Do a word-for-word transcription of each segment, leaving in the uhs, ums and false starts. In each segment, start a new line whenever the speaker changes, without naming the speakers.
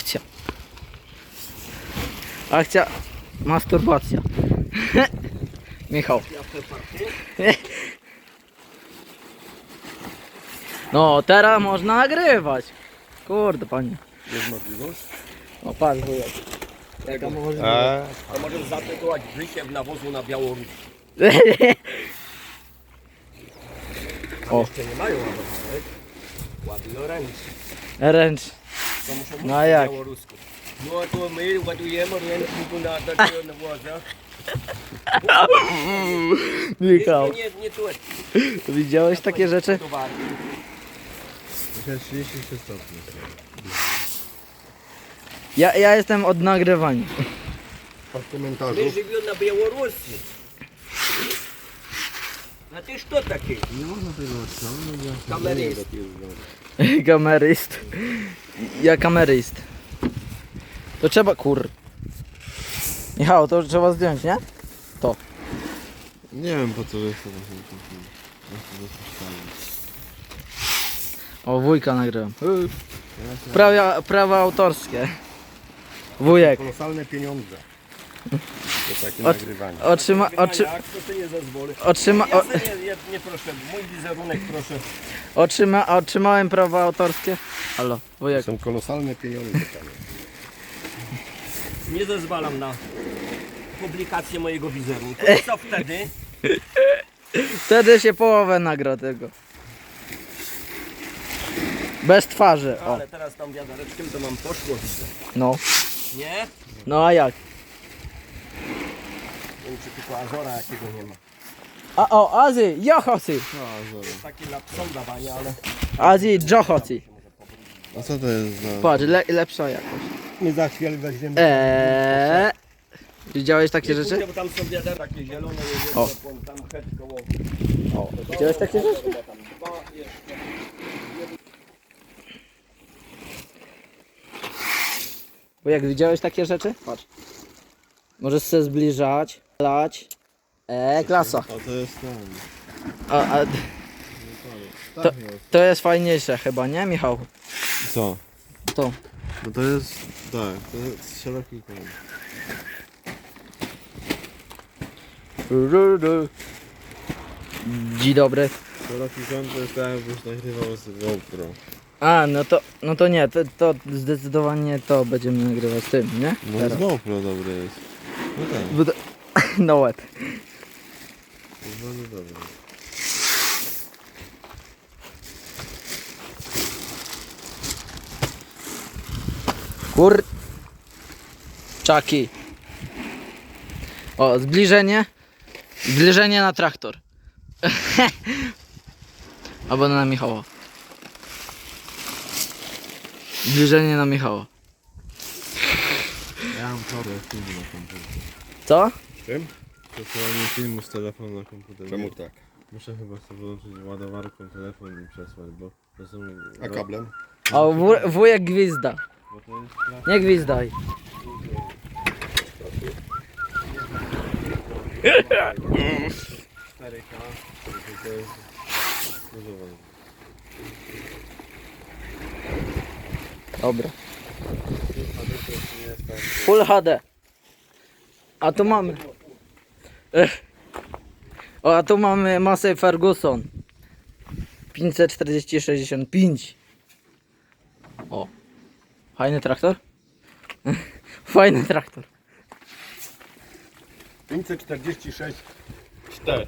Akcja. Akcja. Masturbacja. Michał. No, teraz można nagrywać. Kurde, panie.
Jest możliwość?
O, patrz, wujek. Jaka możliwość.
A,
To możesz zatytułować Wysiew nawozu na Białoruś.
O.
Jeszcze nie mają nawozu, ładują ręcznie.
Ręcz.
To muszą
No
mówić
a
po
jak?
białorusku. No to my ładujemy ręczniku na takiego nawoza.
Michał,
Nie, nie tu.
widziałeś takie rzeczy?
trzydzieści trzy stopnie.
Ja, ja jestem od nagrywania.
Od komentarzów.
My живем na Białorusi. A ty co taki?
Nie można tego odciągnąć.
Kameryst.
Kameryst. Ja kameryst. To trzeba, kur... Michał, to trzeba zdjąć, nie? To.
Nie wiem po co jest to.
O, wujka nagrywam. Prawa, prawa autorskie. Wujek.
Kolosalne pieniądze. To takie
Od-
nagrywanie.
Otrzyma, oczy,
Jak to ty nie zezwolę?
otrzyma,
Ja
o,
sobie nie, nie, nie proszę, mój wizerunek proszę.
otrzyma, otrzymałem prawa autorskie. Halo, wujek.
Są kolosalne pieniądze.
Nie zezwalam na publikację mojego wizerunku. I co wtedy?
Wtedy się połowę nagra tego. Bez twarzy, o.
Ale teraz tam wiadereczkiem to mam poszło widzę.
No.
Nie?
No a jak?
Nie wiem czy tylko Azora jakiego nie ma.
A o, Azji, Jochosi.
Taki lapsą dawania, ale...
Azji, Jochosi.
A co to jest za...
Patrz, le, lepsza jakoś.
Nie za chwilę weźmiemy.
Eee. Widziałeś takie rzeczy?
Kurde, bo tam są wiader takie zielone,
O.
jeżdżą, tam het koło...
O, widziałeś takie rzeczy?
Chyba tam dwa jeszcze.
Bo jak widziałeś takie rzeczy? Patrz. Możesz się zbliżać, lać. Eee, klasa.
A to jest ten.
A, a,
Tak
To-
jest.
to jest fajniejsze chyba, nie Michał?
Co?
To.
No to jest... Tak, to jest szeroki kąt.
Dzień dobry.
Szeroki kąt to jest tak jakbyś nagrywał z GoPro.
A, no to, no to nie, to, to zdecydowanie to będziemy nagrywać tym, nie?
No z
Teraz.
GoPro dobre jest. No tak,
Bo to- No łeb.
jest bardzo dobre.
Kur... Czaki. O, zbliżenie. Zbliżenie na traktor. Albo na Michała. Zbliżenie na Michała.
Ja mam problem filmu na komputerze.
Co?
Czym? Przesyłanie filmu z telefonu na komputer.
Czemu tak?
Muszę chyba sobie wyłączyć ładowarką telefon i przesłać, bo to są...
A kablem?
O, wuj- wujek gwizda.
Bo to jest plastik
Nie gwizdaj.
cztery K, to jest... używany.
Dobra.
A to też nie jest tak...
Full H D. A tu mamy. Ech. O, a tu mamy Massey Ferguson. pięćset czterdzieści sześćdziesiąt pięć. O. Fajny traktor? Fajny traktor.
pięćset czterdzieści sześć.
cztery.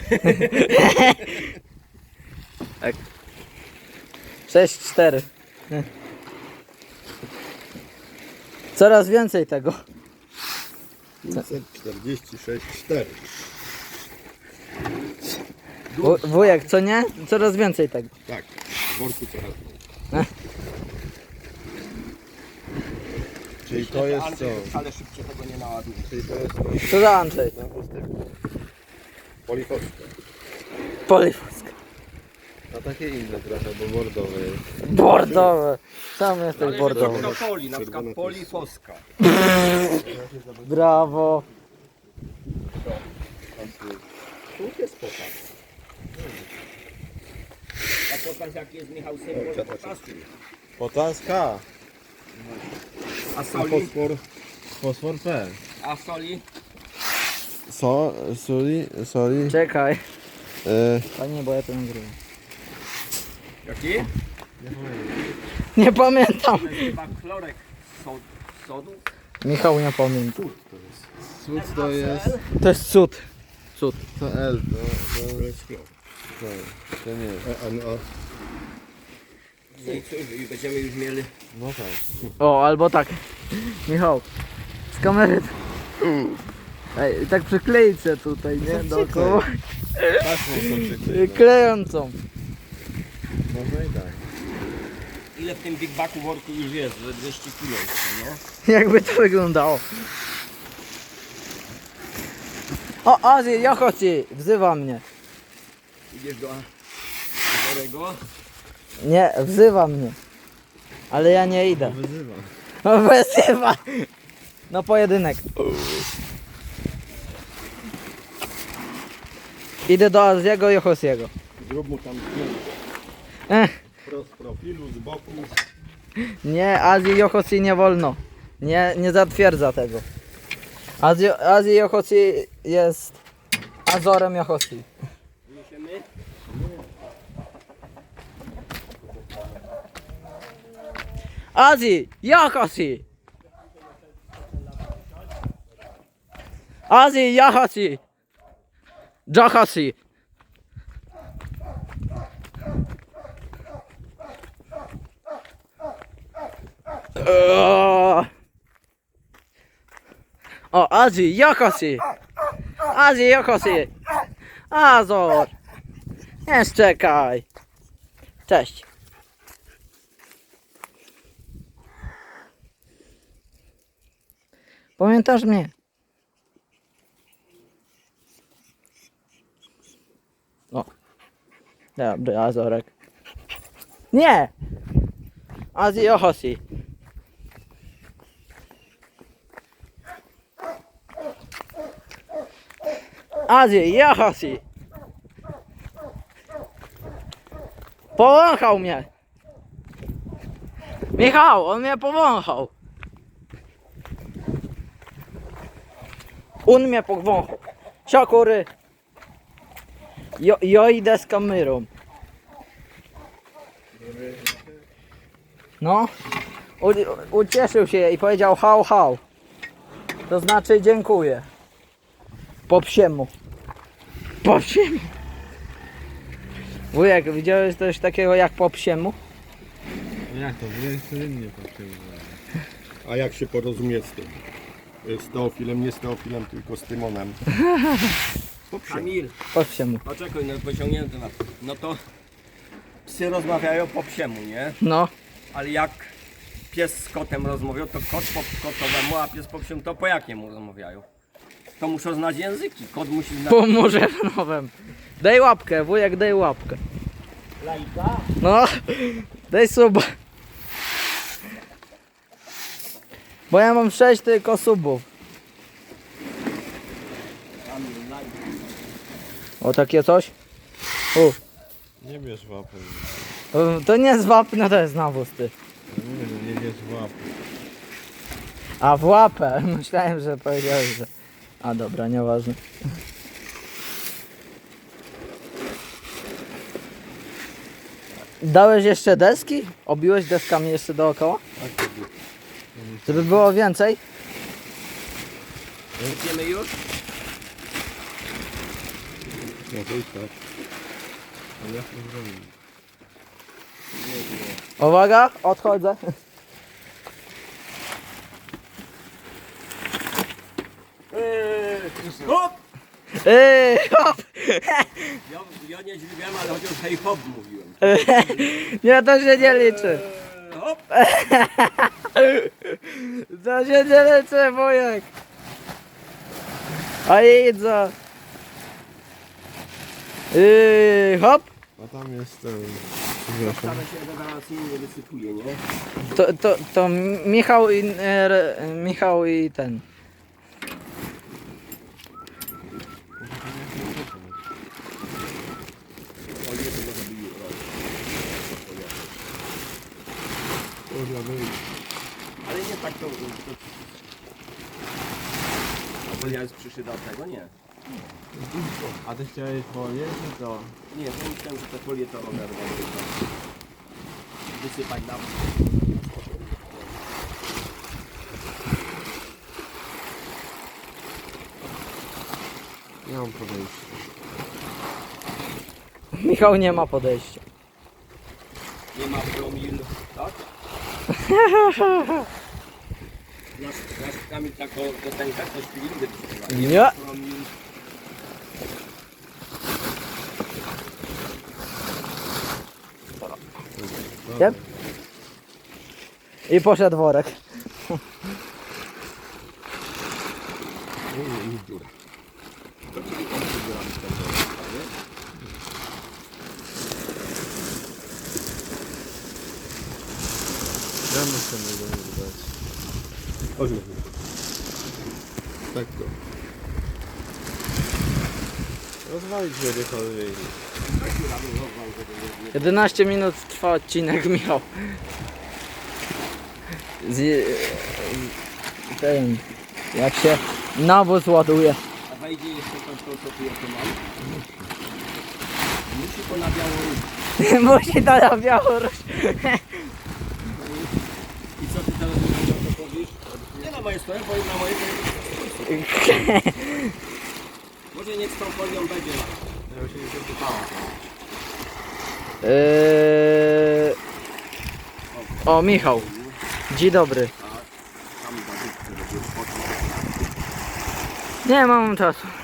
sześć cztery. Coraz więcej tego.
pięćset czterdzieści sześć cztery.
Wu- Wujek, co nie? Coraz więcej tego.
Tak, w worku coraz mniej.
Czyli to jest co?
Ale szybciej tego nie naładuje.
Czyli to jest to...
Co za Andrzej?
Polifowska.
Polifoska.
A takie inne trochę, bo bordowe jest.
Bordowe. Sam jesteś bordowy.
To poli, na przykład polifoska.
Brawo.
Tu jest pokaz. A pokaz jaki jest Michał symbol pokazu.
Potaska!
A
A
soli?
fosfor?
Fosfor P.
A soli?
So, soli, soli.
Czekaj.
E,
Panie, bo ja to nagrywam.
Jaki?
Nie pamiętam.
To jest chyba chlorek sod, sodu.
Michał nie pamięta.
Cud to jest.
To jest cud. Cud.
To L, to,
To jest chlor.
to, to nie.
A, a, a
No i cóż, i będziemy już mieli.
No tak.
O, albo tak. Michał, z kamery. Ej, tak przykleić się tutaj, nie? Dookoła.
Taśmą to przykryć.
Klejącą.
Można i tak.
Ile w tym Big Baku worku już jest? Że dwieście kilo jeszcze, nie?
Jakby to wyglądało. O, Azji, Jochoci, wzywa mnie.
Idziesz do Chorego.
Nie, wzywa mnie. Ale ja nie idę.
Wyzywa.
No, wzywa. No pojedynek. Idę do Azjiego i Jochosiego.
zrób mu tam zdjęcie.
Ech,
Wprost profilu, z boku.
nie, Azji i Jochosi nie wolno. Nie, nie zatwierdza tego. Azji, Azji i Jochosi jest Azorem Jochosi.
Niesiemy.
Azji, Jochosi. Azji, Jochosi. Jochosi. O, O, Azji, Jochosi. Azji, Jochosi. Azor. Nie czekaj. Cześć. Pamiętasz mnie? O. Dobry, Azorek. Nie! Azji Jochosi. Azji Jochosi. Powąchał mnie. Michał, on mnie powąchał. On mnie powąchał. Siakury. Jo, jo idę z kamerą. No. U, ucieszył się i powiedział hał hał. To znaczy dziękuję. Po psiemu. Po psiemu. Wujek, widziałeś coś takiego jak po psiemu?
No jak to? Wujek codziennie patrzył.
A jak się porozumie z tym? Z Teofilem, nie z Teofilem, tylko z Tymonem.
Kamil,
Po psiemu.
poczekaj, no pociągnięty temat. No to psy rozmawiają po psiemu, nie?
No.
Ale jak pies z kotem rozmawiał, to kot po kotowemu, a pies po psiemu, to po jakiemu rozmawiają? To muszą znać języki. Kot musi znać.
Pomóżę w nowym. Daj łapkę, wujek, daj łapkę.
Lajka?
No. Daj suba. Bo ja mam sześć tylko subów.
Kamil, lajka.
O, takie coś? U.
Nie bierz łapy.
To- To nie jest wapno, to jest nawóz, ty.
Ja mówię, że nie bierz łapy.
A w łapę. Myślałem, że powiedziałeś, że... A dobra, nieważne. Dałeś jeszcze deski? Obiłeś deskami jeszcze dookoła? Żeby było więcej?
Idziemy już?
No to i tak.
Ale jak to zrobić?
Uwaga, odchodzę.
Eee, hop!
Ej, hop!
Ja, ja nie dźwigałem, ale chociaż hej hop mówiłem.
Nie, to się nie liczy.
Eee, hop!
To się nie liczy, wujek. A idę. Yy, hop.
A tam jest ten... Przepraszam.
Wcale się rewelacyjnie nie wysypuje, nie?
To, to, to Michał i, e, re- Michał i ten.
O nie, to może by
Kurwa, no i
Ale nie tak to, to... A folia jest przyszyta od tego? Nie.
A ty chciałeś folię, czy to?
Nie, to myślałem, że te folie to oderwą. Wysypać na...
Nie mam podejścia.
Michał nie ma podejścia.
Nie ma promil, tak? Nasz, nasz Kamil taką piosenkę, coś filmy śpiewa.
Nie.
Promil.
Yep. I poszedł worek.
I dziura.
To czyli on przybieramy z tego, nie?
Ja muszę mu go nie dać.
Chodź. Tak to.
Rozwalić gdziekolwiek.
jedenaście minut trwa odcinek, Michał. Z, z, ten, jak się nawóz ładuje.
A wejdzie jeszcze to, to co tu jeszcze mam? Musi to na Białoruś.
Musi to na Białoruś.
I co ty teraz na to powiesz? Nie na moje stroje, bo na moje to jest... Może niech z tą folią będzie.
Ja się nie zapytałem.
Eee... O, Michał. Dzień dobry.
Tam za dupkę będzie wchodził.
Nie mam czasu.